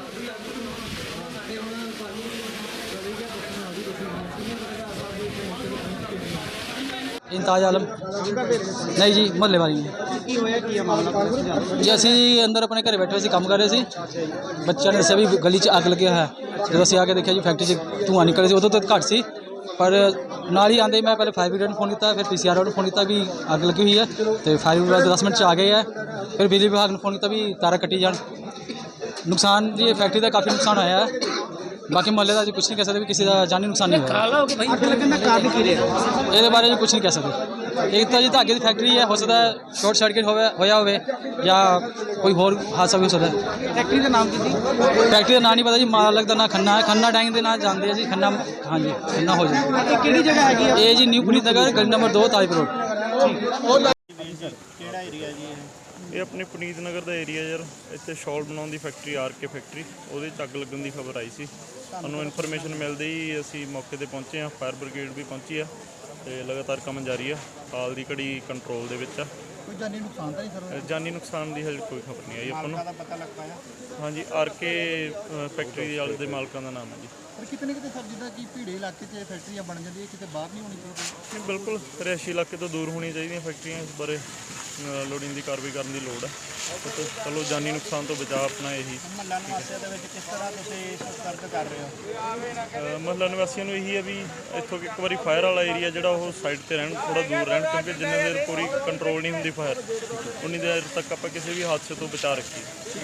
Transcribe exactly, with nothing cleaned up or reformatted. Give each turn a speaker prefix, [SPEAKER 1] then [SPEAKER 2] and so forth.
[SPEAKER 1] इंताज आलम नहीं जी मुहल्ले वाली जी असी अंदर अपने घर बैठे काम कर रहे थे बच्चों ने दसिया भी गली च अग लगे है जो असी आके देखा जी फैक्ट्री से धुआं निकल उदों तो घट सी पर नाल ही आते मैं पहले फायर ब्रिगेड ने फोन किया फिर पी सी आर ने फोन किया भी अग लगी हुई है तो फायर विभाग दस मिनट आ गए है फिर बिजली विभाग ने फोन किया भी तारा कट्टी जान नुकसान जी फैक्ट्री का काफ़ी नुकसान होया है बाकी मोहल्ले का कुछ नहीं कह सकते भी किसी का जानी नुकसान नहीं होया ये बारे में कुछ नहीं कह सकते एक तो जी धागे की फैक्ट्री है हो सकता है शॉर्ट सर्किट होया हो या कोई होर हादसा भी हो सकता है फैक्ट्री का नाम की फैक्ट्री का नाम नहीं पता जी मालक का ना खन्ना है खन्ना टैंक के ना जानते हैं जी खन्ना हाँ जी खन्ना हो जाए कि जगह है ये जी न्यू पुनीत नगर गली नंबर दो ताजपुर रोड
[SPEAKER 2] ਇਹ ਆਪਣੇ ਪੁਨੀਤ ਨਗਰ ਦਾ ਏਰੀਆ ਯਾਰ ਇੱਥੇ ਸ਼ਾਲ ਬਣਾਉਣ ਦੀ ਫੈਕਟਰੀ ਆਰ ਕੇ ਫੈਕਟਰੀ ਉਹਦੇ 'ਚ ਅੱਗ ਲੱਗਣ ਦੀ ਖਬਰ ਆਈ ਸੀ ਸਾਨੂੰ ਇਨਫੋਰਮੇਸ਼ਨ ਮਿਲਦੇ ਹੀ ਅਸੀਂ ਮੌਕੇ 'ਤੇ ਪਹੁੰਚੇ ਹਾਂ ਫਾਇਰ ਬ੍ਰਿਗੇਡ ਵੀ ਪਹੁੰਚੀ ਆ ਅਤੇ ਲਗਾਤਾਰ ਕੰਮ ਜਾਰੀ ਆ ਹਾਲ ਦੀ ਘੜੀ ਕੰਟਰੋਲ ਦੇ ਵਿੱਚ ਆ
[SPEAKER 3] ਕੋਈ ਜਾਨੀ ਨੁਕਸਾਨ ਤਾਂ ਨਹੀਂ ਸਰ
[SPEAKER 2] ਜਾਨੀ ਨੁਕਸਾਨ ਦੀ ਹਜੇ ਕੋਈ ਖਬਰ ਨਹੀਂ ਆਈ ਆਪਾਂ ਨੂੰ
[SPEAKER 3] ਪਤਾ ਲੱਗ ਪਾਇਆ
[SPEAKER 2] ਹਾਂਜੀ ਆਰ ਕੇ ਫੈਕਟਰੀ ਦੇ ਵਾਲੇ ਦੇ ਮਾਲਕਾਂ ਦਾ ਨਾਮ ਹੈ ਜੀ
[SPEAKER 3] ਪਰ ਕਿਤੇ ਕਿਤੇ ਸਰ ਜਿੱਦਾਂ ਕਿ ਭੀੜੇ ਇਲਾਕੇ 'ਚ ਫੈਕਟਰੀਆਂ ਬਣ ਜਾਂਦੀਆਂ ਕਿਤੇ ਬਾਹਰ ਨਹੀਂ ਹੋਣੀ ਚਾਹੀਦੀ
[SPEAKER 2] ਨਹੀਂ ਬਿਲਕੁਲ ਰਿਹਾਇਸ਼ੀ ਇਲਾਕੇ ਤੋਂ ਦੂਰ ਹੋਣੀਆਂ ਚਾਹੀਦੀਆਂ ਫੈਕਟਰੀਆਂ ਇਸ ਬਾਰੇ ਲੋੜੀਂਦੀ ਕਾਰਵਾਈ ਕਰਨ ਦੀ ਲੋੜ ਹੈ ਚਲੋ ਜਾਨੀ ਨੁਕਸਾਨ ਤੋਂ ਬਚਾਅ ਆਪਣਾ ਇਹੀ
[SPEAKER 3] ਮਹੱਲਾ ਨਿਵਾਸੀਆਂ ਦੇ ਵਿੱਚ ਕਿਸ ਤਰ੍ਹਾਂ ਤੁਸੀਂ ਸਤਰਕ ਕਰ ਰਹੇ ਹੋ
[SPEAKER 2] ਮਹੱਲਾ ਨਿਵਾਸੀਆਂ ਨੂੰ ਇਹੀ ਹੈ ਵੀ ਇੱਥੋਂ ਇੱਕ ਵਾਰੀ ਫਾਇਰ ਵਾਲਾ ਏਰੀਆ ਜਿਹੜਾ ਉਹ ਸਾਈਡ ਤੇ ਰਹਿਣ ਥੋੜਾ ਦੂਰ ਰਹਿਣ ਕਿਉਂਕਿ ਜਿੰਨੇ ਦੇਰ ਪੂਰੀ ਕੰਟਰੋਲ ਨਹੀਂ ਹੁੰਦੀ ਫਾਇਰ ਉਨੀ ਦੇਰ ਤੱਕ ਆਪਾਂ ਕਿਸੇ ਵੀ ਹਾਦਸੇ ਤੋਂ ਬਚਾ ਰੱਖੀਏ।